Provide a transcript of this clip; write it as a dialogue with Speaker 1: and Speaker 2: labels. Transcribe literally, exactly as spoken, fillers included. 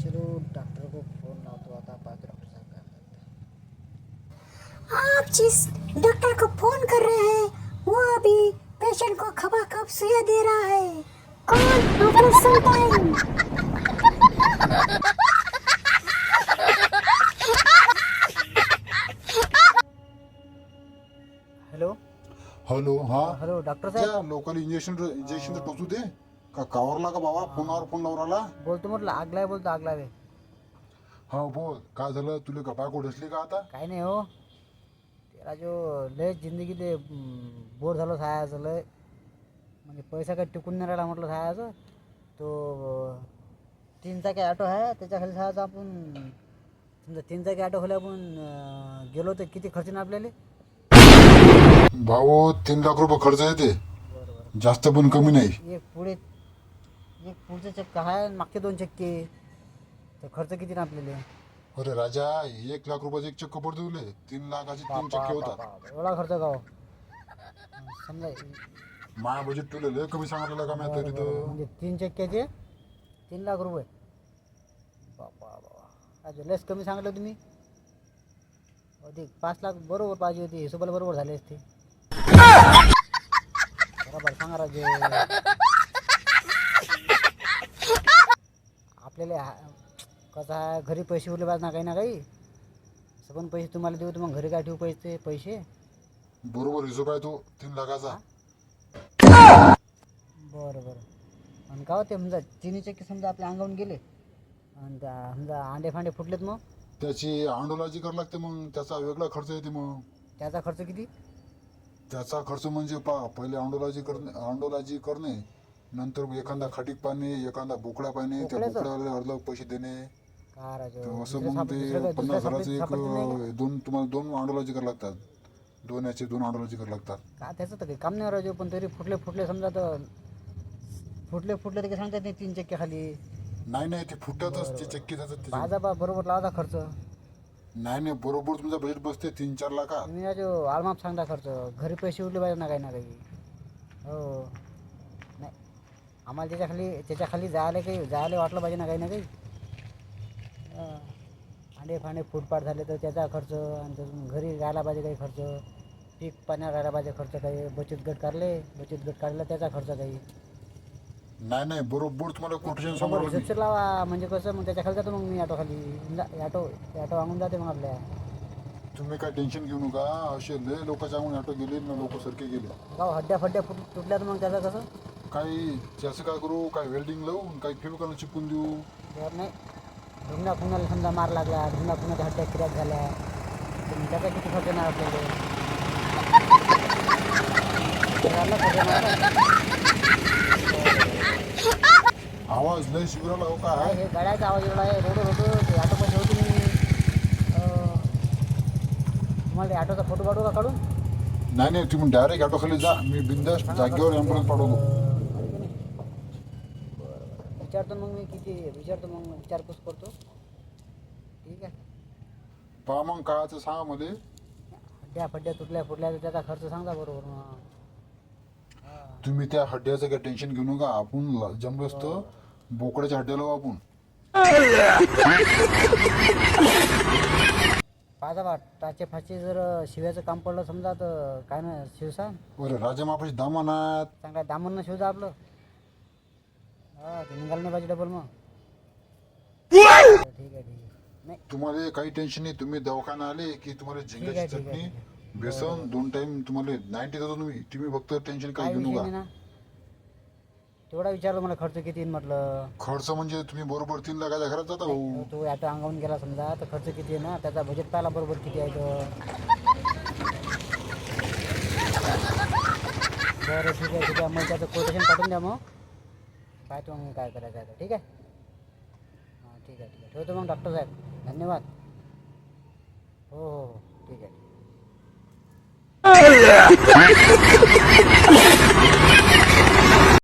Speaker 1: चलो डॉक्टर को फोन लाओ आता पाहतो डॉक्टर साहब काय म्हणतात।
Speaker 2: आप जिस डॉक्टर को फोन कर रहे हैं वो अभी पेशेंट को खपाखप सुइयां दे रहा है। Call after some time.
Speaker 1: Hello
Speaker 3: hello हा
Speaker 1: हॅलो डॉक्टर साहेब
Speaker 3: त्या लोकल इंजेक्शन इंजेक्शन टोचू दे का कावरला का बाबा फोनावर फोन लावराला
Speaker 1: बोलतो म्हटलं आग लावे बोलतो आग लावे
Speaker 3: हा बोल काय झालं तुला का बायको ढसली का आता
Speaker 1: काय नाही हो त्याला जो लय जिंदगी ते बोर झालो सायाचं लय म्हणजे पैसा काही टिकून नाही राहिला म्हटलं सायाचं तो तीन चाकी ऑटो आहे त्याच्या खाली सायाचा आपण समजा तीन चाकी ऑटो खाली आपण अं, गेलो तर किती खर्च ना आपल्याला
Speaker 3: भाऊ तीन लाख रुपये खर्च येते
Speaker 1: बरोबर
Speaker 3: जास्त पण कमी नाही
Speaker 1: एक पुढे एक पुढचे चक्के आहे आणि मागचे दोन चक्के तर खर्च किती ना आपल्याला
Speaker 3: अरे राजा एक लाख रुपयाचे एक चक्क पडतो तुले तीन लाखाचे तीन चक्के होतात
Speaker 1: बापा, एवढा खर्च का हो? समजा
Speaker 3: माया बजेट तुला लय कमी सांगितलेलं का मी तरी तर
Speaker 1: म्हणजे तीन चक्क्याचे तीन लाख रुपये बापा बाबा अच्छा लस कमी सांगितलं तुम्ही अधिक पाच लाख बरोबर पाहिजे होती हिशोबाला बरोबर झाले असते बरोबर सांगा राजे आपल्याला हा- कसं आहे घरी पैसे उरले पाहिजे ना काही ना काही असं पण पैसे तुम्हाला देऊ तर मग घरी काय ठेवू पैसे पैसे
Speaker 3: बरोबर हिशोब आहे तो तीन लाखाचा
Speaker 1: बरं बरं आणि का होते समजा चिनी चक्की समजा आपल्या अंगावून गेले आणि त्या समजा अंडे फांडे फुटलेत मग
Speaker 3: त्याची आंडोलाजी करावं लागते मग त्याचा वेगळा खर्च येते मग
Speaker 1: त्याचा खर्च किती
Speaker 3: त्याचा खर्च म्हणजे पा पहिले अंडोलाजी करणे अंडोलाजी करणे नंतर एखादा खटीक पाणी एखादा बोकड्या पाणी त्या
Speaker 1: बोकड्याचं?
Speaker 3: बोकड्याला अर्ध पैसे देणे
Speaker 1: का राजो
Speaker 3: तर असं
Speaker 1: दुसऱ्या
Speaker 3: मग
Speaker 1: साप-
Speaker 3: ते
Speaker 1: दुसऱ्या काय-
Speaker 3: पन्नास
Speaker 1: दुसऱ्या
Speaker 3: हजाराचे
Speaker 1: सापडत- सापडत नाही
Speaker 3: एक दोन तुम्हाला दोन अंडोलाजी करावं लागतात दोन याचे दोन अंडोलाजी करावं लागतात
Speaker 1: का का त्याचं तर काही काम नाही राजो पण तरी फुटले फुटले समजा तर फुटले फुटले तर काही सांगतात नाही तीन चक्के खाली
Speaker 3: नाही नाही ते फुटतच ते चक्की जातात त्याचे
Speaker 1: बाजा बा बरोबर लावता खर्च
Speaker 3: नाही नाही बरोबर तुमचा बजेट बसते तीन चार लाखा
Speaker 1: तुम्ही राजो आलमाप सांगता खर्च घरी पैसे उरले पाहिजे ना काही ना काही हो नाही आम्हाला त्याच्या खाली त्याच्या खाली जायला काही जायला वाटलं पाहिजे ना काही ना काही हं. अंडे फांडे फुटपाट झाले तर त्याचा खर्च आणि त्यातून घरी राहायला पाहिजे काही खर्च पीक पाण्यात राहायला पाहिजे खर्च काही बचत गट काढले बचत गट काढला त्याचा खर्च काही
Speaker 3: नाही नाही बरोबर तुम्हाला कोटेशन
Speaker 1: बरोबर
Speaker 3: समोर
Speaker 1: हिशोबशीर लावा म्हणजे कसं मग त्याच्या खाली जातो मग मी ऑटो खाली ऑटो ऑटो वांगून जाते मग आपल्या
Speaker 3: तुम्ही काय टेन्शन घेऊ नका असे लय लोकांच्या अंगून ऑटो गेले ना लोक सारखे गेले
Speaker 1: गाव हड्ड्या फड्ड्या फुट तुटल्या तर मग त्याचं कसं
Speaker 3: काही त्याचं काय करू काय वेल्डिंग लावून काही फेविकॉल चिपकून देऊ
Speaker 1: जर नाही ढुंगणा खुणाला समजा मार लागला ढुंगणा खुणाच्या हड्ड्या क्रॅक झाल्या तर मग त्याचा किती खर्च येणार आपल्याला घराला खर्च येणार ना.
Speaker 3: आवाज लय शिबिराला हो
Speaker 1: काय
Speaker 3: काय
Speaker 1: हे गाड्याचा आवाज एवढा आहे रोडवर होतो ते ऑटो पण होती मी अं, तुम्हाला ते ऑटोचा फोटो काढू का काढून
Speaker 3: नाही नाही तुम्ही डायरेक्ट ऑटो खाली जा मी बिंदास जागेवर ॲम्ब्युलन्स पाठवतो
Speaker 1: विचारतो मग मी किती विचारतो मग विचारपूस करतो ठीक आहे
Speaker 3: पहा मग कायचं सांगा मध्ये
Speaker 1: हड्ड्या फड्ड्या तुटल्या फुटल्या तर त्याचा खर्च सांगा बरोबर मग
Speaker 3: तुम्ही त्या हड्ड्याचं काय टेन्शन घेऊ नका आपण ल- जमलं असतं बोकड्याच्या हड्ड्या लावू आपण
Speaker 1: पाहा बा टाचे फाचे जर शिव्याचं काम पडलं समजा तर काय ना शिवसा
Speaker 3: बरं राजा मापाशी दामा नाहीत
Speaker 1: चांगला दामन शिवजा आपलं हा ते निघालं नाही पाहिजे डबल मग ठीक आहे ठीक आहे नाही
Speaker 3: तुम्हाला काही टेन्शन नाही तुम्ही दवाखाना आले की तुम्हाला
Speaker 1: ठीक आहे,
Speaker 3: झिंगाची
Speaker 1: ठीक आहे,
Speaker 3: चटणी
Speaker 1: ठीक
Speaker 3: बेसन दोन टाइम तुम्हाला नाईन्टी देतो तुम्ही तुम्ही फक्त टेन्शन
Speaker 1: काय
Speaker 3: काही घेऊ
Speaker 1: विषय
Speaker 3: नका
Speaker 1: नाही ना तेवढा विचारलं मला खर्च किती येईल म्हटलं
Speaker 3: खर्च म्हणजे तुम्ही बरोबर तीन लाखाच्या घरात जाता भाऊ
Speaker 1: तो ऑटो अंगावून गेला समजा तर खर्च किती आहे ना त्याचा बजेट पाहिला बरोबर किती आहे तो बरं ठीक आहे ठीक आहे मग त्याचं कोटेशन पाठवून द्या मग पाहतो मग मी काय करायचं आहे ते. ठीक आहे हां ठीक आहे ठीक आहे ठेवतो मग डॉक्टर साहेब धन्यवाद हो हो हो ठीक आहे